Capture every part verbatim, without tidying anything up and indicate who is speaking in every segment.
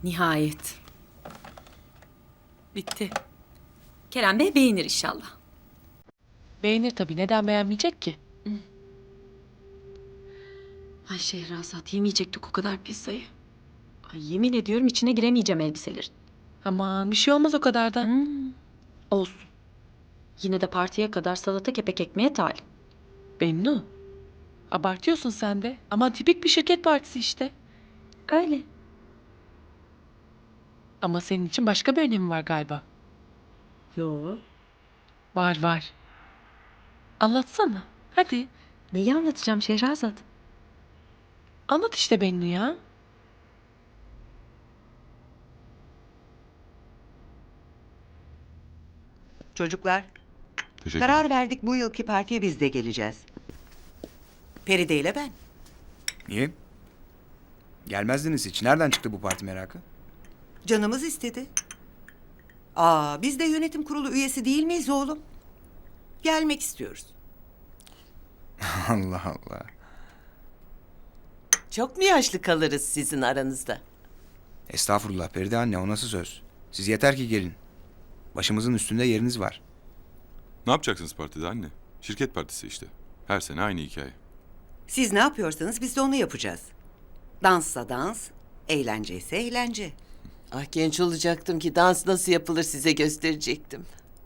Speaker 1: Nihayet.
Speaker 2: Bitti.
Speaker 1: Kerem Bey beğenir inşallah.
Speaker 2: Beğenir tabii. Neden beğenmeyecek ki?
Speaker 1: Ay Şehrazat, yemeyecektik o kadar pizzayı. Ay, yemin ediyorum içine giremeyeceğim elbiselerin.
Speaker 2: Aman bir şey olmaz o kadar da.
Speaker 1: Hmm. Olsun. Yine de partiye kadar salata kepek ekmeğe talim.
Speaker 2: Bennu. Abartıyorsun sen de. Ama tipik bir şirket partisi işte.
Speaker 1: Öyle.
Speaker 2: Ama senin için başka bir önemi var galiba.
Speaker 1: Yo.
Speaker 2: Var var. Anlatsana. Hadi.
Speaker 1: Neyi anlatacağım Şehrazat?
Speaker 2: Anlat işte Bennu ya.
Speaker 3: Çocuklar,
Speaker 4: Teşekkür
Speaker 3: karar verdik, bu yılki partiye biz de geleceğiz. Feride ile ben.
Speaker 5: Niye? Gelmezdiniz hiç. Nereden çıktı bu parti merakı?
Speaker 3: Canımız istedi. Aa, biz de yönetim kurulu üyesi değil miyiz oğlum? Gelmek istiyoruz.
Speaker 5: Allah Allah.
Speaker 6: Çok mu yaşlı kalırız sizin aranızda?
Speaker 5: Estağfurullah Feride anne, o nasıl söz? Siz yeter ki gelin. Başımızın üstünde yeriniz var.
Speaker 4: Ne yapacaksınız partide anne? Şirket partisi işte. Her sene aynı hikaye.
Speaker 3: Siz ne yapıyorsanız biz de onu yapacağız. Danssa dans, eğlence ise eğlence.
Speaker 6: Ah, genç olacaktım ki dans nasıl yapılır size gösterecektim.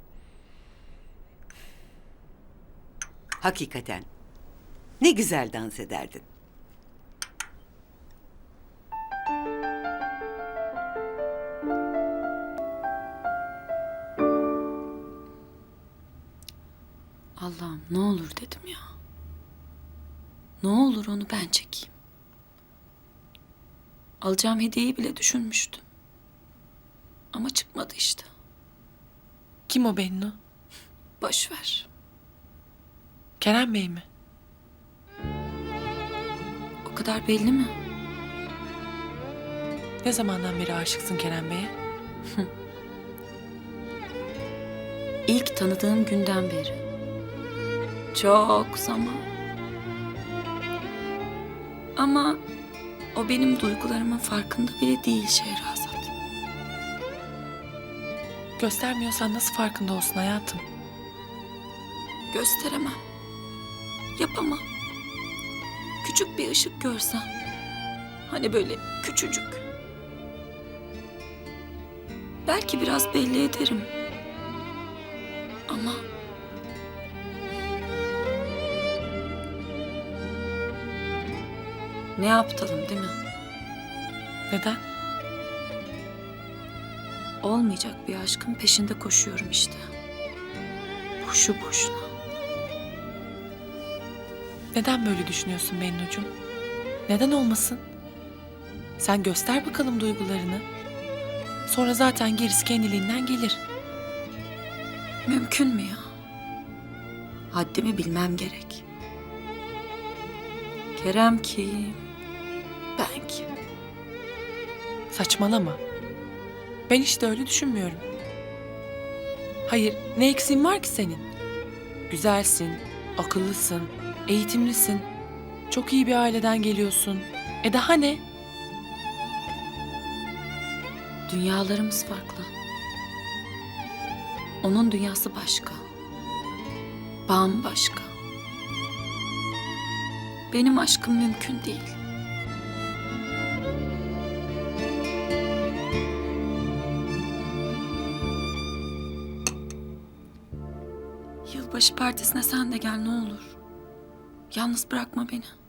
Speaker 3: Hakikaten. Ne güzel dans ederdin.
Speaker 1: Allah'ım ne olur dedim ya. Ne olur onu ben çekeyim. Alacağım hediyeyi bile düşünmüştüm. Ama çıkmadı işte.
Speaker 2: Kim o Bennu?
Speaker 1: Boş ver.
Speaker 2: Kerem Bey mi?
Speaker 1: O kadar belli mi?
Speaker 2: Ne zamandan beri aşıksın Kerem Bey'e?
Speaker 1: İlk tanıdığım günden beri. Çok zaman. Ama o benim duygularımın farkında bile değil Şehrazat.
Speaker 2: Göstermiyorsan nasıl farkında olsun hayatım?
Speaker 1: Gösteremem. Yapamam. Küçük bir ışık görsem. Hani böyle küçücük. Belki biraz belli ederim. Ama... Ne aptalım değil mi?
Speaker 2: Neden?
Speaker 1: Olmayacak bir aşkın peşinde koşuyorum işte. Boşu boşuna.
Speaker 2: Neden böyle düşünüyorsun Bennucuğum? Neden olmasın? Sen göster bakalım duygularını. Sonra zaten gerisi kendiliğinden gelir.
Speaker 1: Mümkün mü ya? Haddimi bilmem gerek. Kerem kim? Ben kim?
Speaker 2: Saçmalama. Ben işte öyle düşünmüyorum. Hayır, ne eksiğin var ki senin? Güzelsin, akıllısın, eğitimlisin. Çok iyi bir aileden geliyorsun. E daha ne?
Speaker 1: Dünyalarımız farklı. Onun dünyası başka. Bambaşka. Benim aşkım mümkün değil. Yılbaşı partisine sen de gel ne olur. Yalnız bırakma beni.